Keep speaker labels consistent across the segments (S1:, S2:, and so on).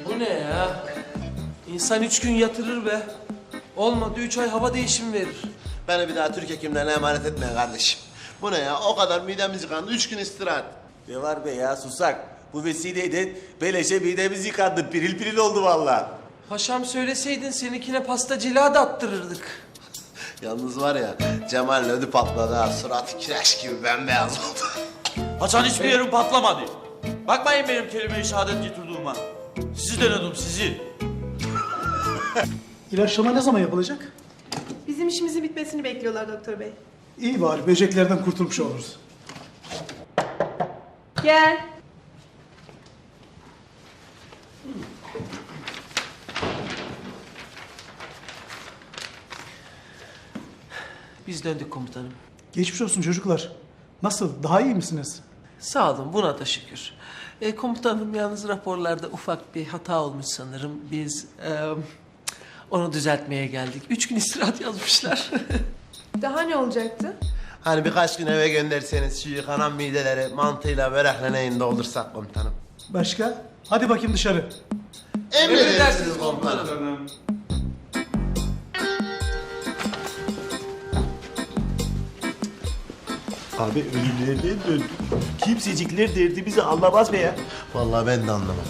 S1: Bu ne ya? İnsan 3 gün yatırır be. Olmadı 3 ay hava değişimi verir.
S2: Beni bir daha Türk hekimlerine emanet etme kardeşim. Bu ne ya? O kadar midemiz yıkandı. 3 gün istirahat.
S3: Ne var be ya susak. Bu vesileyle beleşe midemiz yıkandı. Piril piril oldu vallahi.
S1: Paşam söyleseydin seninkine pasta cila da attırırdık.
S2: Yalnız var ya Cemal'in ödü patladı ha. Suratı kireç gibi bembeyaz oldu.
S4: Hasan hiçbir yerim patlamadı. Bakmayın benim kelime-i şehadet getirdiğime. Sizi denedim sizi.
S5: İlaçlama ne zaman yapılacak?
S6: Bizim işimizin bitmesini bekliyorlar doktor bey.
S5: İyi bari böceklerden kurtulmuş oluruz.
S6: Gel.
S1: Biz döndük komutanım.
S5: Geçmiş olsun çocuklar. Nasıl? Daha iyi misiniz?
S1: Sağ olun buna da şükür. Komutanım yalnız raporlarda ufak bir hata olmuş sanırım. Biz onu düzeltmeye geldik. 3 gün istirahat yazmışlar.
S6: Daha ne olacaktı?
S2: Hani birkaç gün eve gönderseniz şu yıkanan mideleri mantıyla börekle neyin doldursak komutanım.
S5: Başka? Hadi bakayım dışarı.
S2: Emredersiniz komutanım.
S3: Abi ölümlerden döndük. Kimsecikler derdimizi anlamaz be ya.
S2: Vallahi ben de anlamadım.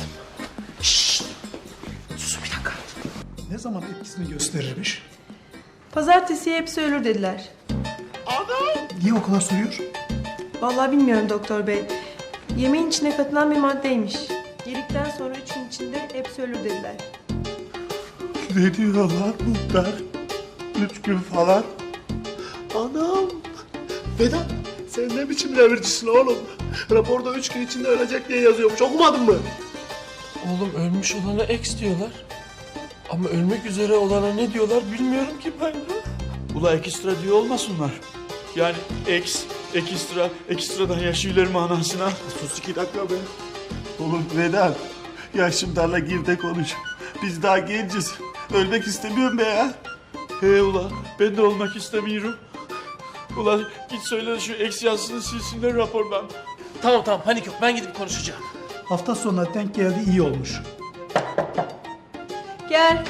S1: Susun bir dakika.
S5: Ne zaman etkisini gösterirmiş?
S6: Pazartesiye hepsi ölür dediler.
S5: Niye o kadar soruyor?
S6: Vallahi bilmiyorum doktor bey. Yemeğin içine katılan bir maddeymiş. Yedikten sonra 3 gün içinde hepsi ölür dediler.
S3: Ne diyor lan muhtar? 3 gün falan. Anam. Vedat sen ne biçim devircisin oğlum? Raporda 3 gün içinde ölecek diye yazıyormuş. Okumadın mı?
S1: Oğlum ölmüş olana eks diyorlar. Ama ölmek üzere olana ne diyorlar bilmiyorum ki ben de.
S4: Ula ekstra diyor olmasınlar. Yani ekstradan yaşıyorlar manasına.
S3: Sus 2 dakika be. Oğlum Vedat. Yaşımdarla gir de konuş. Biz daha genciz. Ölmek istemiyorum be ya.
S4: He ula ben de olmak istemiyorum. Ula git söyle de şu eks yazısını silsinler rapordan.
S1: Tamam tamam panik yok ben gidip konuşacağım.
S5: Hafta sonuna denk geldi, iyi olmuş.
S6: Gel.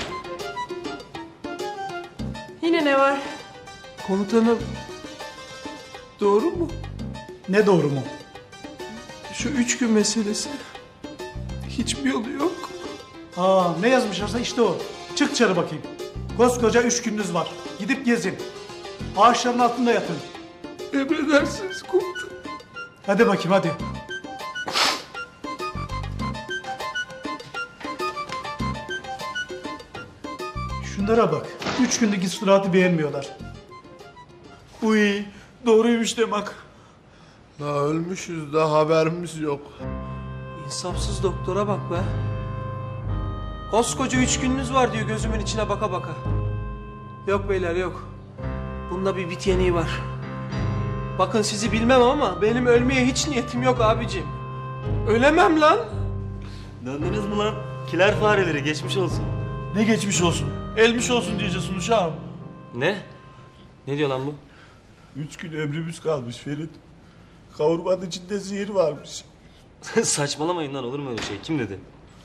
S6: Yine ne var?
S1: Komutanım doğru mu?
S5: Ne doğru mu?
S1: Şu 3 gün meselesi. Hiçbir yolu yok.
S5: Aa, ne yazmışlarsa işte o. Çık dışarı bakayım. Koskoca 3 gününüz var. Gidip gezin. Ağaçların altında yatın.
S1: Emredersiniz komutanım.
S5: Hadi bakayım hadi. Şunlara bak. 3 günlük istirahatı beğenmiyorlar.
S4: Uy doğruymuş demek.
S2: La ölmüşüz de haberimiz yok.
S1: İnsafsız doktora bak be. Koskoca 3 gününüz var diyor gözümün içine baka baka. Yok beyler yok. Bunda bir bit yeniği var. Bakın sizi bilmem ama benim ölmeye hiç niyetim yok abicim. Ölemem lan.
S3: Döndünüz mü lan? Kiler fareleri geçmiş olsun.
S4: Ne geçmiş olsun. Elmiş olsun diyeceksin uşağım.
S7: Ne? Ne diyor lan bu?
S3: 3 gün ömrümüz kalmış Ferit. Kavurmanın içinde zehir varmış.
S7: Saçmalamayın lan olur mu öyle şey? Kim dedi?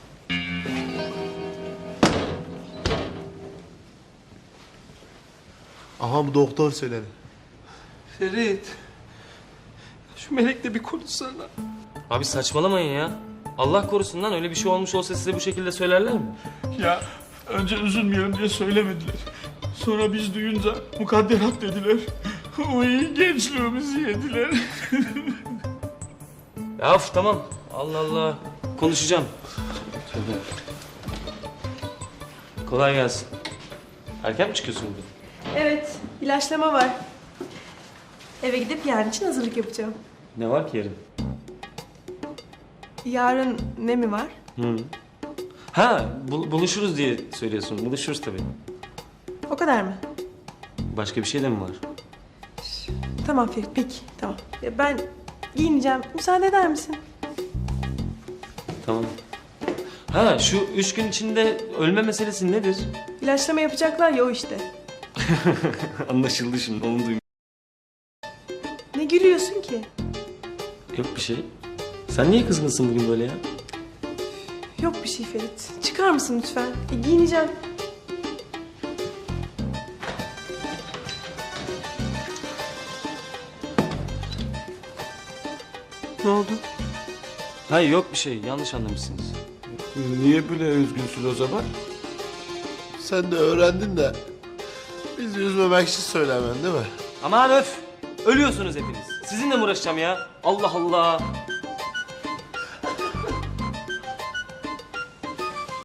S2: Aha bu doktor söyledi.
S1: Ferit. Şu melekle bir konuşsana.
S7: Abi saçmalamayın ya. Allah korusun lan öyle bir şey olmuş olsa size bu şekilde söylerler mi?
S4: Ya önce üzülmeyelim diye söylemediler. Sonra biz duyunca mukadderat dediler. Uy gençliğimizi yediler.
S7: Ya of tamam. Allah Allah. Konuşacağım. Tövbe. Kolay gelsin. Erken mi çıkıyorsun bugün?
S6: Evet, ilaçlama var. Eve gidip yarın için hazırlık yapacağım.
S7: Ne var ki yarın?
S6: Yarın ne mi var?
S7: Ha buluşuruz diye söylüyorsun. Buluşuruz tabii.
S6: O kadar mı?
S7: Başka bir şey de mi var?
S6: Tamam Ferit, peki. Tamam. Ya ben giyineceğim. Müsaade eder misin?
S7: Tamam. Ha şu 3 gün içinde ölme meselesi nedir?
S6: İlaçlama yapacaklar ya o işte.
S7: Anlaşıldı şimdi onu duydum.
S6: Ne gülüyorsun ki?
S7: Yok bir şey. Sen niye kızgınsın bugün böyle ya?
S6: Yok bir şey Ferit. Çıkar mısın lütfen? Giyineceğim.
S1: Ne oldu?
S7: Hayır yok bir şey. Yanlış anlamışsınız.
S4: Niye böyle üzgünsün o zaman?
S2: Sen de öğrendin de bizi üzmemek için söylemen değil mi?
S7: Aman öf! Ölüyorsunuz hepiniz. Sizinle mi uğraşacağım ya? Allah Allah!